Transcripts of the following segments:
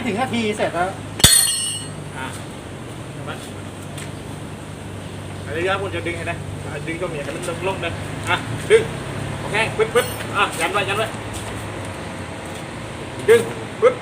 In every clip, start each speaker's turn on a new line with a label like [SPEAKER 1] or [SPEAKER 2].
[SPEAKER 1] ถึงนาทีเสร็จแล้ว
[SPEAKER 2] อันนี้ครับคุณจะดึงให้นะดึงตรงนี้ให้มันลงเลยดึงโอเคปึ๊บยันไว้ดึงปึ๊บ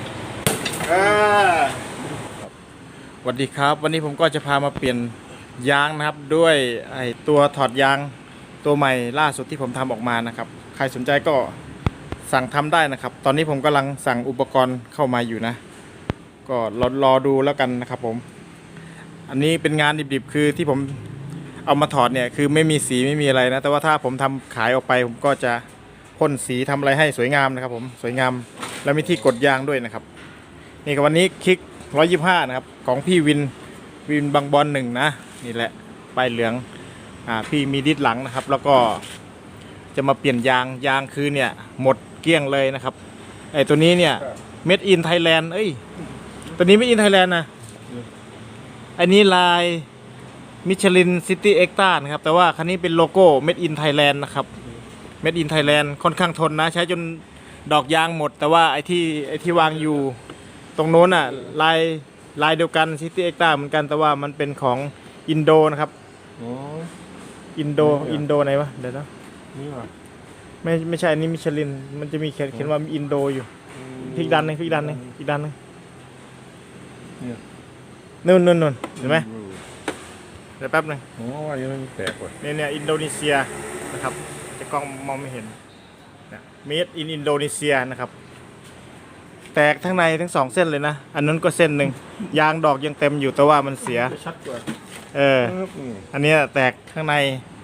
[SPEAKER 2] สวัสดีครับวันนี้ผมก็จะพามาเปลี่ยนยางนะครับด้วยไอตัวถอดยางตัวใหม่ล่าสุดที่ผมทำออกมานะครับใครสนใจก็สั่งทำได้นะครับตอนนี้ผมกำลังสั่งอุปกรณ์เข้ามาอยู่นะก็รอดูแล้วกันนะครับผมอันนี้เป็นงานดิบๆคือที่ผมเอามาถอดเนี่ยคือไม่มีสีไม่มีอะไรนะแต่ว่าถ้าผมทำขายออกไปผมก็จะพ่นสีทำอะไรให้สวยงามนะครับผมสวยงามแล้วมีที่กดยางด้วยนะครับนี่กับวันนี้คลิก125นะครับของพี่วินบางบอล1นะนี่แหละป้ายเหลืองพี่มีดิสหลังนะครับแล้วก็จะมาเปลี่ยนยางคือเนี่ยหมดเกลี้ยงเลยนะครับไอ้ตัวนี้เนี่ย Made in Thailand เอ้ยตัวนี้ Made in Thailand นะอันนี้ลายมิชลินซิตี้เอ็กต้านะครับแต่ว่าคันนี้เป็นโลโก้ Made in Thailand นะครับ Made in Thailand ค่อนข้างทนนะใช้จนดอกยางหมดแต่ว่าไอ้ที่วางอยู่ตรงโน้นอ่ะลายเดียวกันซิตี้เอ็กต้าเหมือนกันแต่ว่ามันเป็นของอินโดนะครับอินโดไหนวะเดี๋ยวนะ
[SPEAKER 1] นี่วะ
[SPEAKER 2] ไม่ใช่อันนี้มิชลินมันจะมีเขียนว่าอินโดอยู่พลิกดันนึงนู่นเห็นไหมเดี๋ยวแป๊บนึง
[SPEAKER 1] ว่ายังไม่แตกว่ะ
[SPEAKER 2] เนี่ยอินโดนีเซียนะครับจะกล้องมองไม่เห็นMade in อินโดนีเซียนะครับแตกทั้งในทั้ง2เส้นเลยนะอันนั้นก็เส้นหนึ่งยางดอกยังเต็มอยู่แต่ว่ามันเสีย
[SPEAKER 1] ชัดกว่า
[SPEAKER 2] อันนี้แตกข้างใน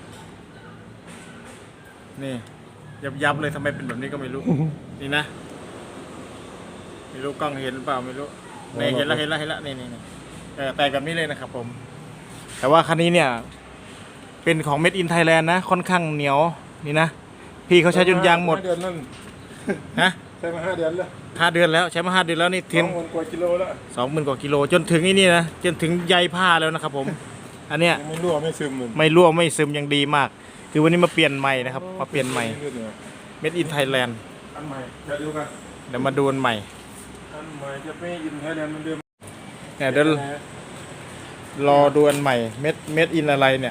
[SPEAKER 2] นี่ยับเลยทำไมเป็นแบบนี้ก็ไม่รู้นี่นะไม่รู้กล้องเห็นหรือเปล่าไม่รู้นี่เห็นแล้วนี่แตกแบบนี้เลยนะครับผมแต่ว่าคันนี้เนี่ยเป็นของ Made in Thailand นะค่อนข้างเหนียวนี่นะพี่เขาใช้จนยางหมด
[SPEAKER 1] เดือนนั่น
[SPEAKER 2] ฮะ
[SPEAKER 1] ใช้มา5 เดือนแล้ว
[SPEAKER 2] 5 เดือนแล้วใช้มา5 เดือนแล้วนี่ถึง
[SPEAKER 1] 20,000 กว่ากิโลแล้ว
[SPEAKER 2] 20,000 กว่ากิโลจนถึงนี่นะจนถึงใยผ้าแล้วนะครับผมอันเนี้ย
[SPEAKER 1] ไม่รั่วไม่ซึ
[SPEAKER 2] มยังดีมากคือวันนี้มาเปลี่ยนใหม่นะครับมาเปลี่ยนใหม่ Made in Thailand
[SPEAKER 1] อันใหม่จะดูกัน
[SPEAKER 2] เดี๋ยวมาดูอันใหม่
[SPEAKER 1] จะไม่อินไทยแลนด์มันเดิม
[SPEAKER 2] เนี่ยเดี๋ยวรอดูอันใหม่เม็ดอินอะไรเนี่ย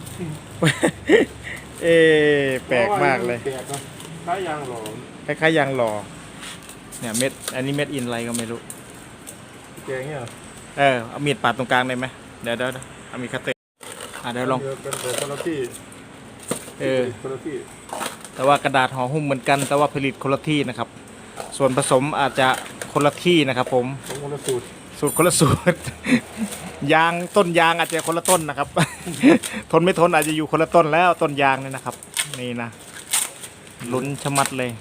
[SPEAKER 2] แปลกมากเลย
[SPEAKER 1] คล้ายยางหล่อ
[SPEAKER 2] ยางหล่อเนี่ยอันนี้เม็ดอินอะไรก็ไม่รู้
[SPEAKER 1] แกงเนี่ย
[SPEAKER 2] เอามีดปาดตรงกลางได้ไหมเดี๋ยวเอามีดคัตเตอร์เดี๋ยวลอง
[SPEAKER 1] เป็นคนละที่คนละที่
[SPEAKER 2] แต่ว่ากระดาษห่อหุ้มเหมือนกันแต่ว่าผลิตคนละที่นะครับส่วนผสมอาจจะคนละที่นะครับผม
[SPEAKER 1] คนละสูตร
[SPEAKER 2] คนละสูตรต้นยางอาจจะคนละต้นนะครับทนไม่ทนอาจจะอยู่คนละต้นแล้วต้นยางนี่นะครับนี่นะลุ้นชะมัดเลย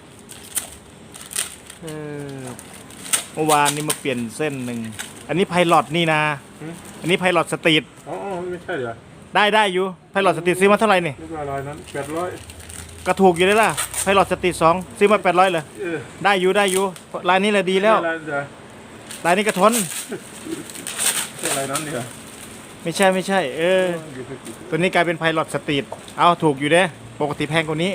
[SPEAKER 2] เมื่อวานนี้มาเปลี่ยนเส้นหนึ่งอันนี้ไพลอตนี่นะอันนี้ไพลอตสตรีท
[SPEAKER 1] ไม่ใช่เหรอ
[SPEAKER 2] ได้อยู่ไพลอตสตรีทซื้อมาเท่าไหร่นี่
[SPEAKER 1] 800นั้น800
[SPEAKER 2] ก็ถูกอยู่ได้ล่ะไพลอตสตรีท2ซื้อมา800เลยได้อยู่ลายนี้แหละดีแล้วลายนี้ก็ทน
[SPEAKER 1] อะไรนั้นเนี่ย
[SPEAKER 2] ไม่ใช่ตัวนี้กลายเป็นไพลอตสตรีทเอาถูกอยู่เด้ปกติแพงกว่านี้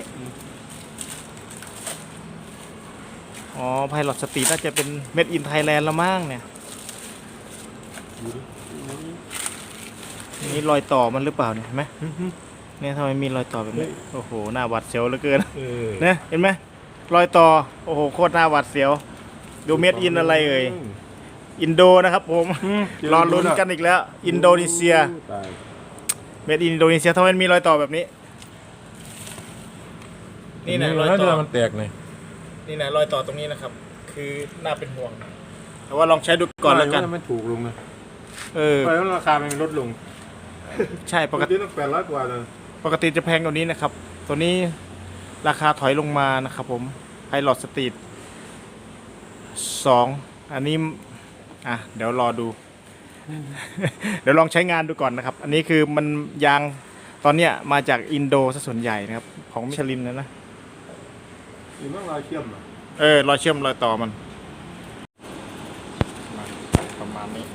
[SPEAKER 2] ไพลอตสตรีทน่าจะเป็น Made in Thailand ละมั้งเนี่ยนี่รอยต่อมันหรือเปล่าเนี่ยเห็นไหมเนี่ยทำไมมีรอยต่อแบบนี้โอ้โหหน้าหวาดเสียวเหลือเกินเนี่ยเห็นไหมรอยต่อโอ้โหโคตรหน้าหวาดเสียวดู Made in อะไรเอ่ยอินโดนะครับผมรอลุ้นกันอีกแล้วอินโดนีเซียเมดอินโดนีเซียทำไมมีรอยต่อแบบนี้นี่นะรอยต่อ
[SPEAKER 1] มันแตกเลย
[SPEAKER 2] นี่นะรอยต่อตรงนี้นะครับคือน่าเป็นห่วงแต่ว่าลองใช้ดูก่อนแล้วกัน
[SPEAKER 1] ไม่ถูกลงเลยไปแล้วราคามันลดลง
[SPEAKER 2] ใช่ปกติ
[SPEAKER 1] ต้อง800 กว่าเลย
[SPEAKER 2] ปกติจะแพงกว่านี้นะครับตัวนี้ราคาถอยลงมานะครับผมไพลอตสตรีท2อันนี้เดี๋ยวรอดู เดี๋ยวลองใช้งานดูก่อนนะครับอันนี้คือมันยางตอนเนี้ยมาจากอินโดซะส่วนใหญ่นะครับของมิชลินนะ
[SPEAKER 1] หรือว่ารอยเชื่อม
[SPEAKER 2] รอยเชื่อมรอยต่อมันประมาณนี้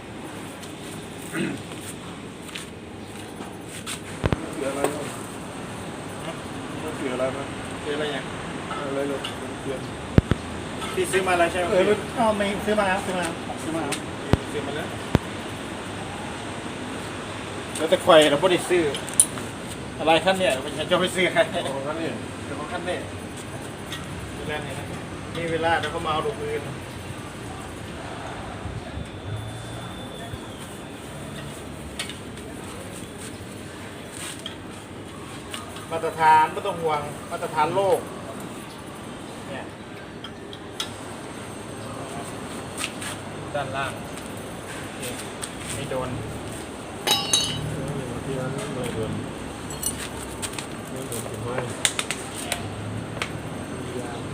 [SPEAKER 1] เสืออะไรมั้ยเสืออะไรมั้ย
[SPEAKER 2] อะไรอย่าง
[SPEAKER 1] อะไรเลยเสือ
[SPEAKER 2] พี่ซื้อมาแล้วใช่ไหม
[SPEAKER 3] ไม่ซื้อมาแล้วซื้อมาแล้วซื้อมาแล้ว
[SPEAKER 2] ซื้อมาแล้วแล้วแต่ควยเราไม่ได้ซื้ออะไรขั้นเนี่ยมันจะไปซื้อใคร
[SPEAKER 1] ของนั้นนี่
[SPEAKER 2] เดี๋ยวของขั้นเนี่ยเวลาไหนนะนี่เวลาเดี๋ยวเขามาเอาลูกปืนมาตรฐานไม่ต้องห่วงมาตรฐานโลกเนี่ยด้านล่างโอเคไม่โดน
[SPEAKER 1] ที่นั้นไม่โดนไม่โดนถึงไม้ยาง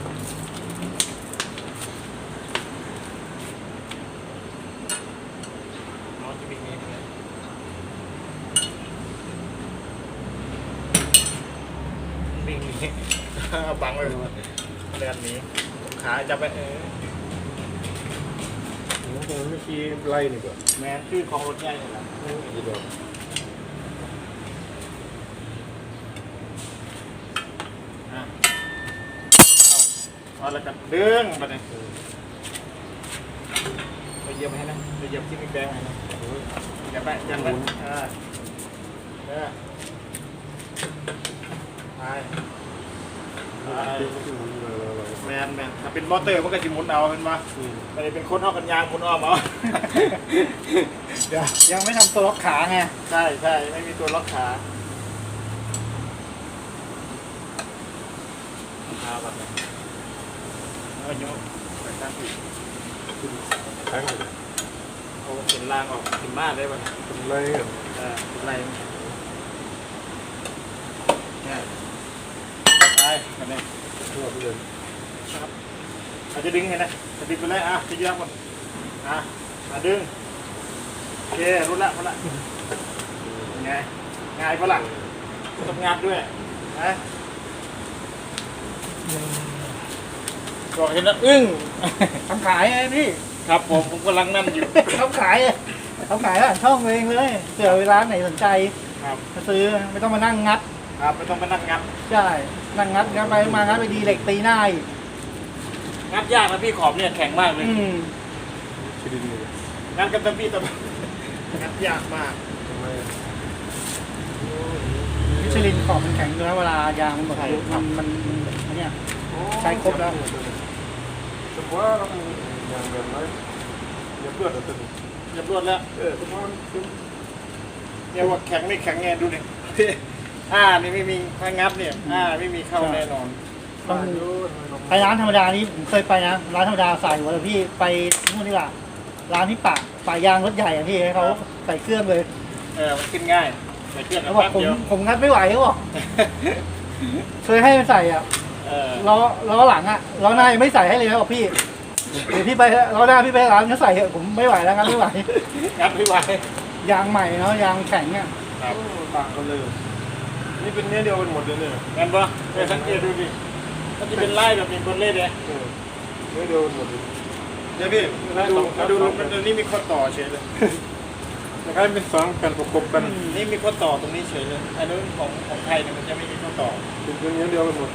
[SPEAKER 2] น้องจะวิ่งนี้เลยวิ่งนี้ บังไว้เรือนนี้ขาจะไป
[SPEAKER 1] ผมคงไม่ขี่ไล่นี่ก่อน
[SPEAKER 2] แมนชื่อของรถใหญ่นี่แหละ
[SPEAKER 1] ที่ดอก
[SPEAKER 2] เอาแล้วกันดึงไปเลยไปเหยียบให้นะไปเหยียบที่มีแบงให้นะอย่าไปอย่าไปไปแมนถ้าเป็นมอเตอร์มันก็จะหมุนเอาเป็นมาแต่เป็นคนเท่ากันยางหมุนอ้อมเอา
[SPEAKER 3] เดี๋ยวยังไม่ทำตัวล็อกขาไง
[SPEAKER 2] ใช่ไม่มีตัวล็อกขาแบบนี้แล้วยกไปข้างที่
[SPEAKER 1] ทั้งเลย
[SPEAKER 2] เอาเห็นล่างออกถึงบ้านได้ป่ะ
[SPEAKER 1] เป็นไล่กัน
[SPEAKER 2] เป็นไรเนี่ยไปกันเนี่ย
[SPEAKER 1] ทั่วไปเลย
[SPEAKER 2] ครับอาจจะดึงไงนะจะดึงไปเลยจะยืดหมดดึงโอเครู้ละไงง่ายปะล่ะต้องงัดด้วยนะก็เห็นแล้วอึ้ง
[SPEAKER 3] ทำขายไงพี่
[SPEAKER 2] ครับผมกำลังนั่นอยู่
[SPEAKER 3] ทำขายผ่านช่องเองเลยเผื่อเวลาไหนสนใจ
[SPEAKER 2] ครับ
[SPEAKER 3] มาซื้อไม่ต้องมานั่งงัด
[SPEAKER 2] ครับไม่ต้องมานั่งงัด
[SPEAKER 3] ใช่นั่งงัดไปมางัดไปดีเหล็กตีหน้าอีก
[SPEAKER 2] งัดยากนะพี่ขอบเนี่ยแข็งมากเลย
[SPEAKER 1] ชิดินนี่
[SPEAKER 2] งัดกันตะพี่ตะงัดยากมาก
[SPEAKER 1] ทำไม
[SPEAKER 3] มิชลินขอบมันแข็งอยู่แล้วเวลายางมันหมดอายุมันเนี่ย ใช้ครบแล้ว
[SPEAKER 1] สมมติว่าเราอย่างแบบนั้นอย่าเพื่อนเราตึง
[SPEAKER 2] เรียบร้อยแล้ว
[SPEAKER 1] สมมติว่า
[SPEAKER 2] เนี่ยว่าแข็งไม่แข็งไงดูดิ นี่ไม่มีถ้างัดเนี่ยไม่มีเข้าแน่นอน
[SPEAKER 3] ต้องไปร้านธรรมดานี้ผมเคยไปนะร้านธรรมดาใส่หัวเลยพี่ไปนู่นดีกว่าร้านที่ป่ายางรถใหญ่อะพี่ให้เขาใส่เครื่องเลย
[SPEAKER 2] มันขึ้นง่ายใส่เครื่อง
[SPEAKER 3] เขา
[SPEAKER 2] แป๊
[SPEAKER 3] บอก
[SPEAKER 2] บเดียว
[SPEAKER 3] ผมงัดไม่ไหวเขาบอกเคยให้มันใส่อ่ะล้อหลังอ่ะล้อหน้ายังไม่ใส่ให้เลยนะบอกพี่เดี๋ยวพี่ไปล้อหน้าพี่ไปร้านเขาใส่เถอะผมไม่ไหวแล้วงัดไม่ไหว
[SPEAKER 2] งัดไม่ไหวย
[SPEAKER 3] างใหม่เนาะยางแข็งอ่ะ
[SPEAKER 2] ครับ
[SPEAKER 1] ต่างกันเลยนี่เป็นเนื้อเดียวกันหมดเลยเนี่ย
[SPEAKER 2] งั้นปะไปสังเกตดูดิมันจะเป็นไล่แบบนี้บนเล่เลย
[SPEAKER 1] เนื้อเดียวกันหมดเลย
[SPEAKER 2] เดี๋ยวพี่มาดูมันนี่มีข้อต่อเฉยเลย
[SPEAKER 1] คล้ายเป็นสองกันประกบกัน
[SPEAKER 2] นี่มีข้อต่อตรงนี้เฉยเลยอันนู้นของไทยเนี่ยมันจะไม่มีข้อต่อ
[SPEAKER 1] เป็นเนื้อเดียวกันหมด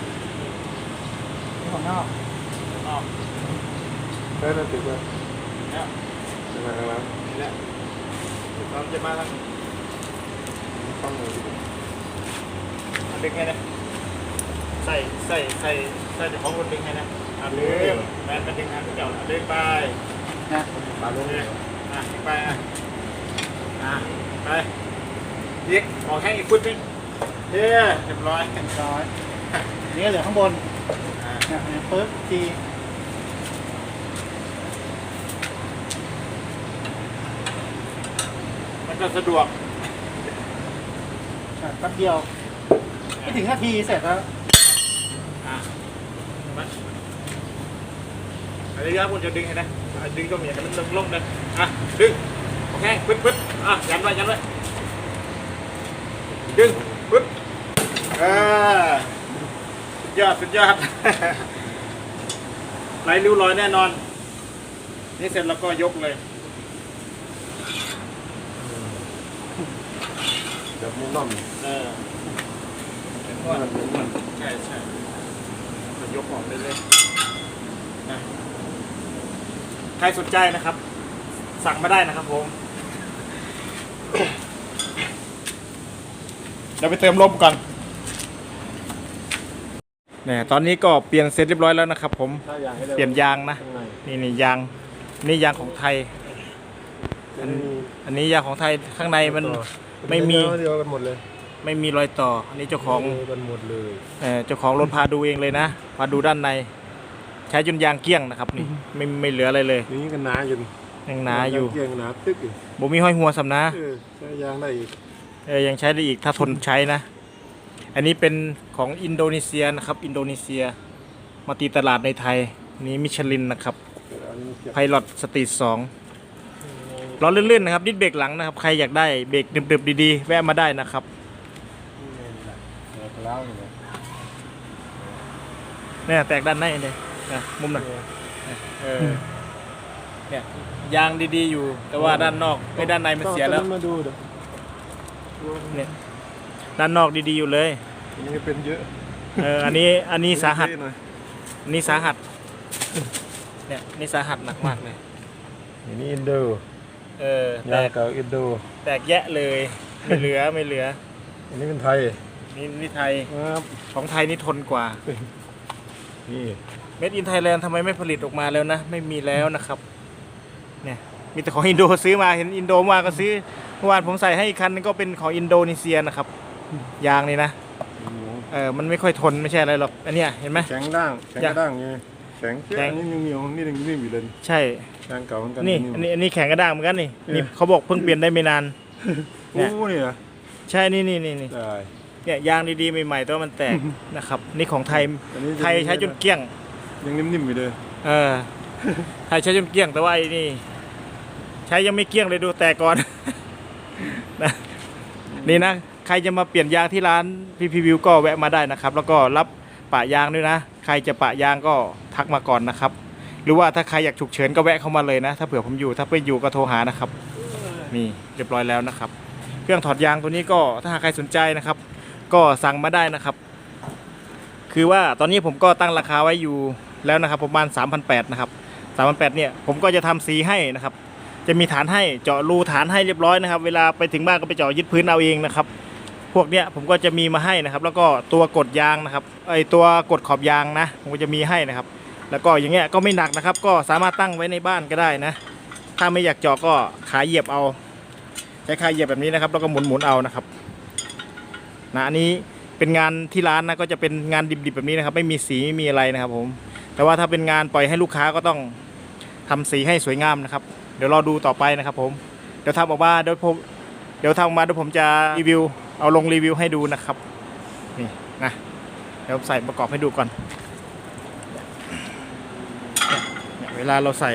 [SPEAKER 3] นี่ของนอก
[SPEAKER 2] อ๋อ
[SPEAKER 1] แค่นั้นติดไว้
[SPEAKER 2] เนี่ย
[SPEAKER 1] เป็นอะไรครับ
[SPEAKER 2] นี่แหละเราจะมาทาง
[SPEAKER 1] ต้องเลย
[SPEAKER 2] ดึงให้นะใส่เดี๋ยวของคนดึงให้นะดึงแมนมันดึงให้เจ้าดึงไป
[SPEAKER 3] นะ
[SPEAKER 1] ปาลง
[SPEAKER 2] ดึงไปไปยิกออกแข้งอีกฟุตนึงเรียบร้อย
[SPEAKER 3] ร้อยนี่เหลือข้างบนเนี่ยปึ๊บที
[SPEAKER 2] มันก็สะดวก
[SPEAKER 3] แป๊บเดียวไม่ถึงนาทีเสร็จแล้ว
[SPEAKER 2] อันนี้ครับคุณจะดึงให้นะดึงก็มีให้มันลงเลยดึงโอเคปึ๊บยันไว้ดึงปึ๊บสุดยอด ไหลริ้วรอยแน่นอนนี่เสร็จแล้วก็ยกเลย
[SPEAKER 1] แบบนี้น่อม
[SPEAKER 2] เป็นนวดใช่ก็ยกออกได้เลยนะใครสนใจนะครับ สั่งมาได้นะครับผมเดี๋ยวไปเติมลมก่อนเนี่ยตอนนี้ก็เปลี่ยนเสร็จเรียบร้อยแล้วนะครับ ผม
[SPEAKER 1] ถ้าอยากให้ร็ว
[SPEAKER 2] เปลี่ยนยางนะ
[SPEAKER 1] ข้างใน
[SPEAKER 2] นี่ยางนี่ยางของไทย อันนี้ยางของไทยข้างในมันไม่มี
[SPEAKER 1] เดียวกันหมดเลย
[SPEAKER 2] ไม่มีรอยต่ออันนี้เจ้าของ
[SPEAKER 1] เดียวกันหมดเลย
[SPEAKER 2] เจ้าของรถพาดูเองเลยนะพาดูด้านใน ใช้จนยางเกลี้ยงนะครับนี่ไม่เหลืออะไรเลย
[SPEAKER 1] นี่ก็หนาอยู่
[SPEAKER 2] ยังหนาอยู่
[SPEAKER 1] เกียงหนาตึกอยู่
[SPEAKER 2] บ่มีห้อยหัวสำนะ
[SPEAKER 1] ใช้ยางได้อีก
[SPEAKER 2] ยังใช้ได้อีกถ้าทนใช้นะ อันนี้เป็นของอินโดนีเซียนะครับอินโดนีเซียมาตีตลาดในไทยนี่มิชลินนะครับไพลอตสตรีท2ล้อลื่นๆนะครับดิสเบรกหลังนะครับใครอยากได้เบรกดึบๆดีๆแวะมาได้นะครับเนี่ยแตกด้านในเลยนะมุมนั้นเนี่ยยางดีๆอยู่แต่ว่าด้านนอกไอ้ด้านในมันเสียแล้ว
[SPEAKER 1] มาดูเดี๋ยว
[SPEAKER 2] เนี่ยด้านนอกดีๆอยู่เลย
[SPEAKER 1] อันนี้เป็นเยอะ
[SPEAKER 2] อันนี้สาหัส
[SPEAKER 1] หน่อย
[SPEAKER 2] อันนี้สาหัสเนี่ยนี่สาหัสหนักมากเลย
[SPEAKER 1] อันนี้อินโด
[SPEAKER 2] แต
[SPEAKER 1] ยาง
[SPEAKER 2] ก
[SPEAKER 1] เก่าอินโด
[SPEAKER 2] แตกแยะเลยไม่เหลือ
[SPEAKER 1] อันนี้เป็นไทย
[SPEAKER 2] นี่ไทย
[SPEAKER 1] ครับ
[SPEAKER 2] ของไทยนี่ทนกว่า
[SPEAKER 1] นี่
[SPEAKER 2] เมดอินไทยแลนด์ทำไมไม่ผลิตออกมาแล้วนะไม่มีแล้วนะครับเนี่ยมีแต่ของอินโดซื้อมาเห็นอินโดมาก็ซื้อเมื่อวานผมใส่ให้อีกคันนึงก็เป็นของอินโดนีเซียนะครับยางนี่นะมันไม่ค่อยทนไม่ใช่อะไรหรอกอันเนี้ยเห็นไหม
[SPEAKER 1] แข็งด่างแข็งกระด้างไงแข็ง
[SPEAKER 2] แข็ง
[SPEAKER 1] อันนี้ยังเหนียวนี่ยังนิ่มอยู่เลย
[SPEAKER 2] ใช่
[SPEAKER 1] ยางเก่าเหมือนกัน
[SPEAKER 2] นี่อันนี้แข็งกระด้างเหมือนกันนี่นี่เขาบอกเพิ่งเปลี่ยนได้ไม่นาน
[SPEAKER 1] โอ้นี่เหรอ
[SPEAKER 2] ใช่นี่
[SPEAKER 1] ได้
[SPEAKER 2] เนี่ยยางดีๆใหม่ๆแต่ว่ามันแตก นะครับนี่ของไทย
[SPEAKER 1] อันนี้
[SPEAKER 2] ไทยใช้จนเกลี้ยง
[SPEAKER 1] ยังนิ่มๆอยู่เลย
[SPEAKER 2] ไทยใช้จนเกลี้ยงแต่ว่าไอ้นี่ใช้ยังไม่เกลี้ยงเลยดูแตกก่อน นะนี่นะใครจะมาเปลี่ยนยางที่ร้านพีวิวก็แวะมาได้นะครับ แล้วก็รับปะยางด้วยนะใครจะปะยางก็ทักมาก่อนนะครับ หรือว่าถ้าใครอยากฉุกเฉินก็แวะเข้ามาเลยนะถ้าเผื่อผมอยู่ถ้าไม่อยู่ก็โทรหานะครับนี่เรียบร้อยแล้วนะครับ เครื่องถอดยางตัวนี้ก็ถ้าหากใครสนใจนะครับ ก็สั่งมาได้นะครับ คือว่าตอนนี้ผมก็ตั้งราคาไว้อยู่แล้วนะครับประมาณ 3,800 นะครับ 3,800 เนี่ยผมก็จะทำสีให้นะครับ จะมีฐานให้เจาะรูฐานให้เรียบร้อยนะครับเวลาไปถึงบ้านก็ไปเจาะยึดพื้นเอาเองนะครับพวกเนี้ยผมก็จะมีมาให้นะครับ แล้วก็ตัวกดยางนะครับตัวกดขอบยางนะผมก็จะมีให้นะครับ แล้วก็อย่างเงี้ยก็ไม่หนักนะครับ ก็สามารถตั้งไว้ในบ้านก็ได้นะถ้าไม่อยากเจาะก็ขาเหยียบเอาใช้ขาเหยียบแบบนี้นะครับแล้วก็หมุนเอานะครับนะอันนี้เป็นงานที่ร้านนะก็จะเป็นงานดิบๆแบบนี้นะครับไม่มีสีไม่มีอะไรนะครับผมแต่ว่าถ้าเป็นงานปล่อยให้ลูกค้าก็ต้องทำสีให้สวยงามนะครับเดี๋ยวรอดูต่อไปนะครับผมเดี๋ยวทำออกมาเดี๋ยวทำออกมาเดี๋ยวผมจะรีวิวเอาลงรีวิวให้ดูนะครับนี่นะเดี๋ยวใส่ประกอบให้ดูก่อนเนี่ยเวลาเราใส่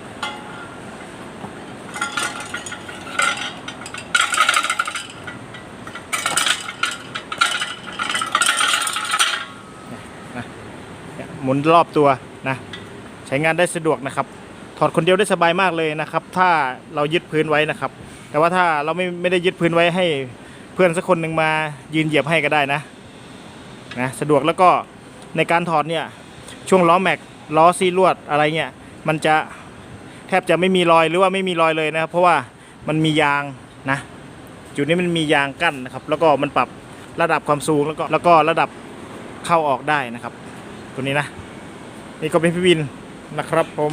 [SPEAKER 2] หมุนรอบตัวนะใช้งานได้สะดวกนะครับถอดคนเดียวได้สบายมากเลยนะครับถ้าเรายึดพื้นไว้นะครับแต่ว่าถ้าเราไม่ได้ยึดพื้นไว้ให้เพื่อนสักคนหนึ่งมายืนเหยียบให้ก็ได้นะสะดวกแล้วก็ในการถอดเนี่ยช่วงล้อแม็กล้อซีลวดอะไรเงี้ยมันจะแทบจะไม่มีรอยหรือว่าไม่มีรอยเลยนะครับเพราะว่ามันมียางนะจุดนี้มันมียางกั้นนะครับแล้วก็มันปรับระดับความสูงแล้วก็ระดับเข้าออกได้นะครับตัวนี้นะนี่ก็เป็นพี่วินนะครับผม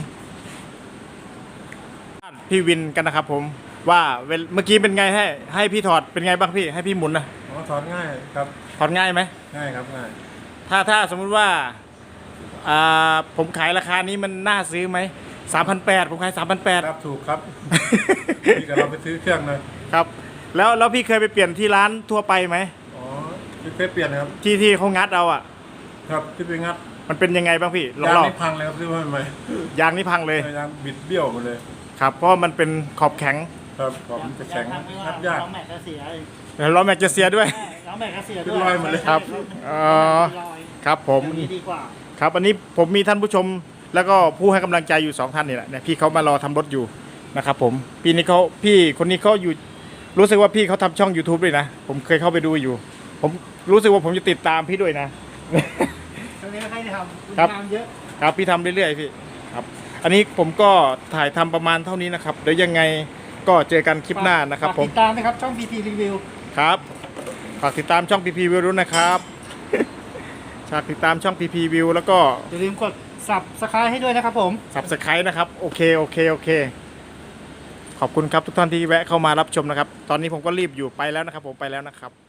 [SPEAKER 2] พี่วินกันนะครับผมว่าเมื่อกี้เป็นไงให้พี่ถอดเป็นไงบ้างพี่ให้พี่หมุนนะ
[SPEAKER 1] ถอดง่ายครับ
[SPEAKER 2] ถอดง่ายไหม
[SPEAKER 1] ง่ายครับง่าย
[SPEAKER 2] ถ้าสมมุติว่าผมขายราคานี้มันน่าซื้อไหม3,800ผมขาย3,800
[SPEAKER 1] ครับถูกครับพี่กับเราไปซื้อเครื่องเลย
[SPEAKER 2] ครับแล้วพี่เคยไปเปลี่ยนที่ร้านทั่วไปไหม
[SPEAKER 1] อ๋อพี่เคยเปลี่ยนนะครับ
[SPEAKER 2] ที่เขางัดเอาอ่ะ
[SPEAKER 1] ครับที่ไปงัด
[SPEAKER 2] มันเป็นยังไงบ้างพี่
[SPEAKER 1] ยางนี่พังเลยครับซื้อมาใหม่
[SPEAKER 2] ยางนี่พังเลย
[SPEAKER 1] ยางบิดเบี้ยวหมดเลย
[SPEAKER 2] ครับเพราะมันเป็นขอบแข็ง
[SPEAKER 1] ครับขอบมันจะแข็งงัดยาก
[SPEAKER 3] ล้อแม็กก็เสีย
[SPEAKER 2] ล้อแม็กจะเสียด้วย
[SPEAKER 3] ล้อแม็กก็เสียด้วย
[SPEAKER 1] เป็นรอยหมดเลย
[SPEAKER 2] ครับครับผม
[SPEAKER 3] นี้ดีกว่า
[SPEAKER 2] ครับอันนี้ผมมีท่านผู้ชมแล้วก็ผู้ให้กำลังใจอยู่2ท่านนี่แหละเนี่ยพี่เขามารอทำรถอยู่นะครับผมพี่คนนี้เขาอยู่รู้สึกว่าพี่เขาทำช่อง YouTube ด้วยนะผมเคยเข้าไปดูอยู่ผมรู้สึกว่าผมจะติดตามพี่ด้วยนะ
[SPEAKER 3] ตอนนี้ใครทำ
[SPEAKER 2] ครับ
[SPEAKER 3] งานเยอะ
[SPEAKER 2] ครับพี่ทำเรื่อยๆพี่อันนี้ผมก็ถ่ายทำประมาณเท่านี้นะครับ เดี๋ยวยังไงก็เจอกันคลิปหน้านะครับผม
[SPEAKER 3] ติดตามนะครับช่อง PP Review
[SPEAKER 2] ครับฝากติดตามช่อง PP View ด้วยนะครับฝากติดตามช่อง PP View แล้วก็
[SPEAKER 3] อย่าลืมกด Subscribe ให้ด้วยนะครับผม
[SPEAKER 2] Subscribe นะครับโอเคขอบคุณครับทุกท่านที่แวะเข้ามารับชมนะครับ ตอนนี้ผมก็รีบอยู่ไปแล้วนะครับผมไปแล้วนะครับ